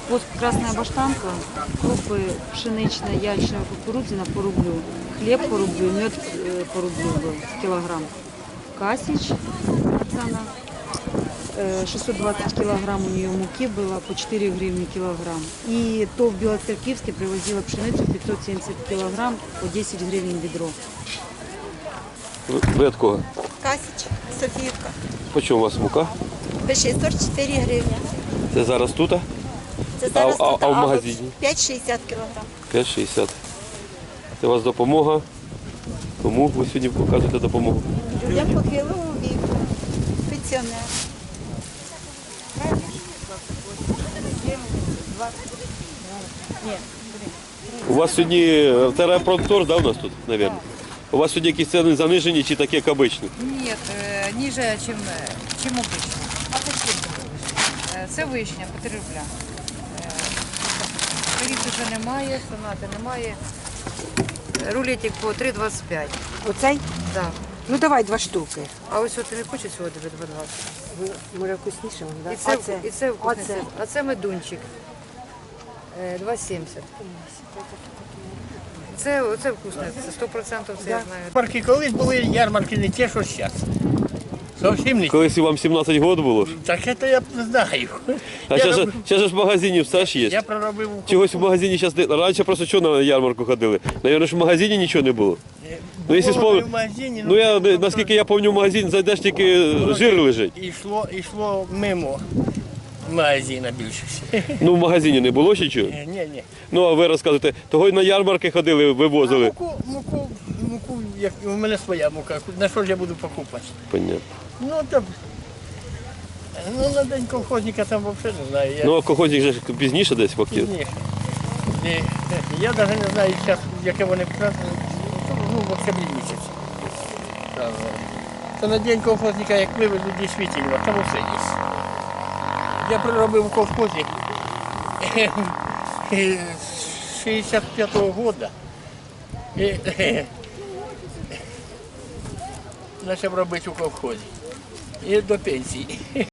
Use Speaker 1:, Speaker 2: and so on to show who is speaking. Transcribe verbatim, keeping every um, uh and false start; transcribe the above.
Speaker 1: Воск красная баштанка, крупы пшеничная, ячная, кукурузина по рублю, хлеб по рублю, мед э, по рублю был килограмм. Касич, цена, э, шестьсот двадцать килограмм у нее муки было, по четыре гривны килограмм. И то в Белоцеркивске привозила пшеницу пятьсот семьдесят килограмм, по десять гривен ведро.
Speaker 2: Ви ви від кого?
Speaker 3: Касіч, Софіївка.
Speaker 2: По чому у вас мука?
Speaker 3: Пише сорок чотири гривні.
Speaker 2: Це зараз тут?
Speaker 3: Це зараз
Speaker 2: А- а-
Speaker 3: тут,
Speaker 2: а в магазині?
Speaker 3: п'ять шістдесят кілограм.
Speaker 2: п'ять шістдесят. Це у вас допомога. Кому ви сьогодні показуєте допомогу?
Speaker 3: Людям похилого віку, пенсіонер.
Speaker 2: У вас сьогодні терапронтор, да, у нас тут, мабуть? У вас сьогодні якісь ціни занижені чи такі, як обично?
Speaker 4: Нет, э, ниже, чем, э, чем обычно. А почему? Э, Це вишня по три рубля. Корів вже немає, сонати немає. Рулетик по три двадцять п'ять.
Speaker 5: Оцей?
Speaker 4: Да.
Speaker 5: Ну давай два штуки.
Speaker 4: А ось от не хоче сьогодні вже два двадцять.
Speaker 5: Може вкусніше, да?
Speaker 4: І це,
Speaker 5: А це?
Speaker 4: і це вкусний
Speaker 5: Оце?
Speaker 4: сир. А це медунчик. Е, два сімдесят. Це, це вкусне, це сто відсотків, це я знаю.
Speaker 6: Ярмарки колись були, ярмарки не ті, що зараз. Зовсім не ті.
Speaker 2: Колись і вам сімнадцять років було ж.
Speaker 6: Так це я не знаю.
Speaker 2: А
Speaker 6: я,
Speaker 2: зараз
Speaker 6: роб...
Speaker 2: же ж в магазині все ж
Speaker 6: я
Speaker 2: є.
Speaker 6: проробив у
Speaker 2: Чогось в магазині зараз не... Раніше просто що на ярмарку ходили? Навірно, що в магазині нічого не було. Ну, якщо
Speaker 6: Було
Speaker 2: спомню-
Speaker 6: в магазині,
Speaker 2: Ну я, наскільки я пам'ятаю, в магазин зайдеш, тільки жир лежить.
Speaker 6: Ішло, ішло мимо магазина більше.
Speaker 2: Ну в магазині не було ще чого?
Speaker 6: Ні, ні.
Speaker 2: Ну а ви розказуєте, того й на ярмарки ходили,
Speaker 6: А
Speaker 2: вивозили.
Speaker 6: муку, муку, муку, як у мене своя мука, на що ж я буду покупати?
Speaker 2: Понятно.
Speaker 6: Ну там, ну на день колхозника там взагалі не знаю. Я...
Speaker 2: Ну а колхозник же ж пізніше десь фактично.
Speaker 6: Пізніше. І, я навіть не знаю, зараз, яке вони празднують, ну, в октябрі місяці. Там, Це на день колхозника, як вивезуть дійсно, там усе є. Я проробив у колхозі з шістдесят п'ятого року. І почав робити у колхозі. І до пенсії.